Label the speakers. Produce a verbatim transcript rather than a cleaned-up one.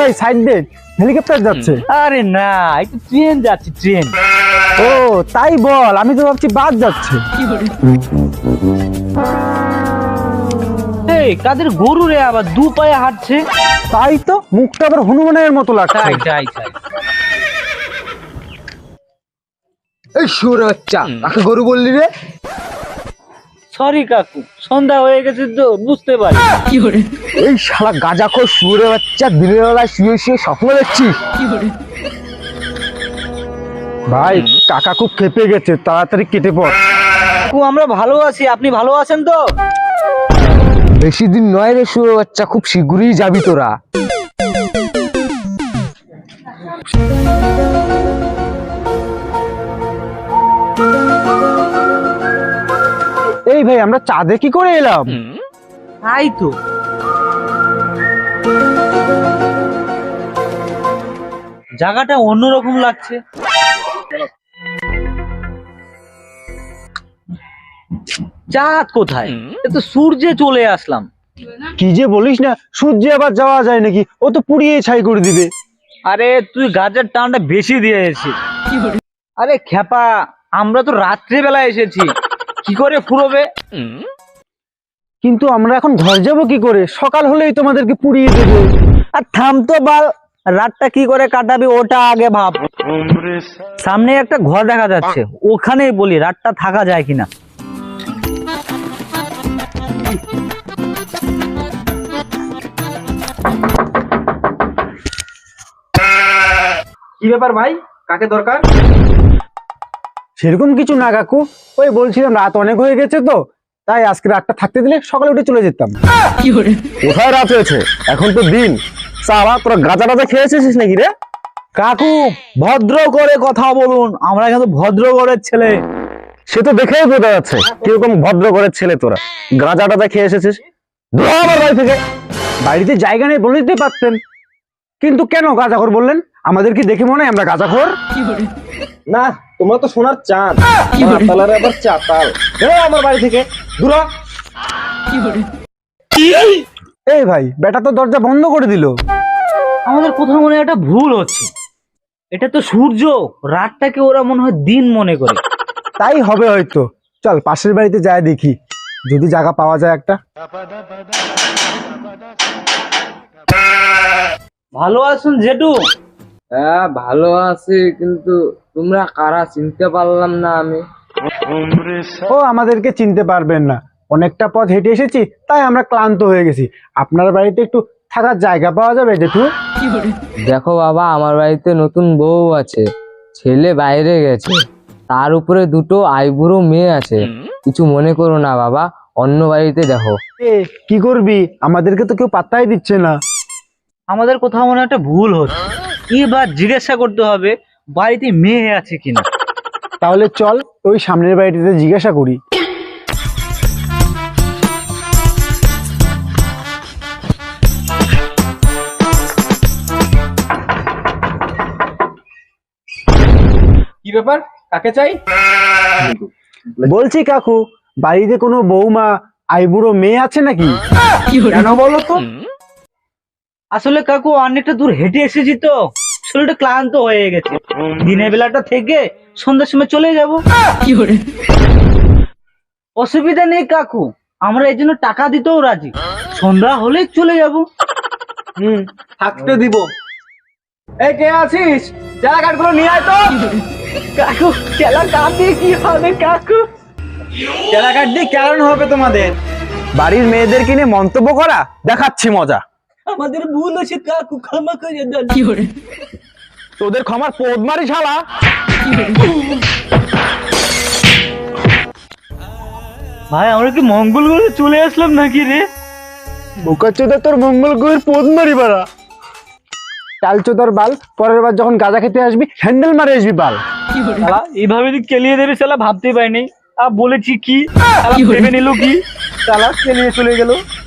Speaker 1: ভাই সাইড দে, হেলিকপ্টার যাচ্ছে।
Speaker 2: আরে না, একটু ট্রেন যাচ্ছে, ট্রেন।
Speaker 1: ও তাই বল, আমি তো ভাবছি বাস যাচ্ছে।
Speaker 2: এই কাদের গরু রে, আবার দু পায়ে হাঁটছে।
Speaker 1: তাই তো, মুখটা আবার হনুমানের মতো লাগছে।
Speaker 2: তাই তাই তাই।
Speaker 3: এই শুয়োরের বাচ্চা, কাকে গরু বললি রে?
Speaker 2: সরি কাকু, সন্ধ্যা হয়ে গেছে তো বুঝতে পারি।
Speaker 3: এই শালা গাঁজাখোর শুয়োরের বাচ্চা, দিনের বেলায় শুয়ে শুয়ে স্বপ্ন দেখছিস?
Speaker 1: ভাই কাকা খুব খেপে গেছে, তাড়াতাড়ি কেটে পড়।
Speaker 2: কাকু আমরা ভালো আছি, আপনি ভালো আছেন তো?
Speaker 3: বেশি দিন নয় রে শুয়োরের বাচ্চা, খুব শীঘ্রই যাবি তোরা।
Speaker 1: এই ভাই আমরা চাঁদে কি করে এলাম?
Speaker 2: তাই তো। জায়গাটা অন্যরকম লাগছে। চাঁদ কোথায়? এ তো সূর্যে চলে আসলাম।
Speaker 1: কি যে বলিস না, সূর্যে আবার যাওয়া যায় নাকি? ও তো পুড়িয়ে ছাই করে দিবে।
Speaker 2: আরে তুই গাছের টানটা বেশি দিয়েছিস। আরে খেপা, আমরা তো রাত্রে বেলা এসেছি, কি করে ফুরোবে?
Speaker 1: কিন্তু আমরা এখন ঘর যাব কি করে? সকাল হলেই তোমাদেরকে পুড়িয়ে দেবে।
Speaker 2: আর থাম তো বাল, রাতটা কি করে কাটাবি ওটা আগে ভাব। সামনে একটা ঘর দেখা যাচ্ছে, ওখানেই বলি রাতটা থাকা যায় কিনা।
Speaker 4: কি ব্যাপার ভাই, কাকে দরকার?
Speaker 1: সেরকম কিছু না কাকু, ওই বলছিলাম রাত অনেক হয়ে গেছে তো, তাই আজকে রাতটা থাকতে দিলে সকালে উঠে চলে যেতাম।
Speaker 3: কোথায় রাত হয়েছে? এখন তো দিন। সারা তোরা গাঁজা টাজা খেয়েছিস নাকি রে?
Speaker 2: কাকু ভদ্র করে কথা বলুন, আমরা কিন্তু ভদ্র ঘরের ছেলে।
Speaker 3: সে তো দেখেই বোঝা যাচ্ছে কিরকম ভদ্র করে ছেলে তোরা। গাঁজা টাজা খেয়ে এসেছিস, ধুর আমার বাড়ি থেকে।
Speaker 1: বাড়িতে জায়গা নেই বলে দিতে পারতেন, কিন্তু কেন গাঁজাখোর বললেন? আমাদের কি দেখে মনে হয় আমরা গাঁজাখোর?
Speaker 4: না, তোমরা তো সোনার চাঁদ, মাতালের আবার চাতাল। বেরো আমার বাড়ি থেকে, দূর হ।
Speaker 1: এই ভাই বেটা তো দরজা বন্ধ করে দিল।
Speaker 2: আমাদের কোথাও মনে হয় একটা ভুল হচ্ছে। এটা তো সূর্য, রাতটাকে ওরা মনে হয় দিন মনে করে।
Speaker 1: তাই হবে হয়তো। চল পাশের বাড়িতে যাই দেখি, যদি জায়গা পাওয়া যায় একটা।
Speaker 2: ভালো আছেন জেঠু?
Speaker 3: হ্যাঁ ভালো আছি, কিন্তু তোমরা কারা চিনতে পারলাম না আমি।
Speaker 1: ও আমাদেরকে চিনতে পারবেন না, অনেকটা পথ হেঁটে এসেছি, তাই আমরা ক্লান্ত হয়ে গেছি। আপনার বাড়িতে একটু থাকার জায়গা পাওয়া যাবে জেঠু?
Speaker 5: দেখো বাবা, আমার বাড়িতে নতুন বউ আছে, ছেলে বাইরে গেছে, তার উপরে দুটো আইবুড়ো মেয়ে আছে। কিছু মনে করো না বাবা, অন্য বাড়িতে দেখো।
Speaker 1: এ কি করবি, আমাদেরকে তো কেউ পাত্তাই দিচ্ছে না।
Speaker 2: আমাদের কোথাও মনে হয় একটা ভুল হচ্ছে। এবার জিজ্ঞাসা করতে হবে বাড়িতে মেয়ে আছে কিনা।
Speaker 1: তাহলে চল ওই সামনের বাড়িটিতে জিজ্ঞাসা করি।
Speaker 4: কি ব্যাপার, কাকে চাই?
Speaker 1: বলছি কাকু, বাড়িতে কোনো বৌমা আইবুড়ো মেয়ে আছে নাকি?
Speaker 4: কেন বলো তো?
Speaker 2: আসলে কাকু অনেকটা দূর হেঁটে এসেছি তো, শরীরটা ক্লান্ত হয়ে গেছে। দিনের বেলাটা থেকে সন্ধ্যার সময় চলে যাব। অসুবিধা নেই কাকু, আমরা এই জন্য টাকা দিতেও রাজি। সন্ধ্যা হলে চলে যাব।
Speaker 4: হুম, থাকতে দিব। এই কে আছিস, চালা কাঠগুলো নিয়ে আয় তো।
Speaker 2: কাকু খেলা কাঠ দিয়ে কি হবে কাকু?
Speaker 4: চালা কাঠ দিয়ে কেমন হবে তোমাদের?
Speaker 1: বাড়ির মেয়েদের কিনে মন্তব্য করা, দেখাচ্ছি মজা।
Speaker 2: আমাদের ভুল হয়েছে কাকু, ক্ষমা করে দেন।
Speaker 1: তোদের ক্ষমার পোদ মারি শালা।
Speaker 2: ভাই আমরা কি মঙ্গল করে চলে আসলাম নাকি রে?
Speaker 1: বোকাচোদা তোর মঙ্গল গ্রহের পোদ মারি বাড়া। টালচোদার বাল, পরের বার যখন গাঁজা খেতে আসবি হ্যান্ডেল মারে আসবি বাল।
Speaker 2: শালা এইভাবে যে কেলিয়ে দেবে শালা ভাবতে পারিনি। আর বলেছি কি, শালা ভেবে নিল কি, শালা কেলিয়ে চলে গেল।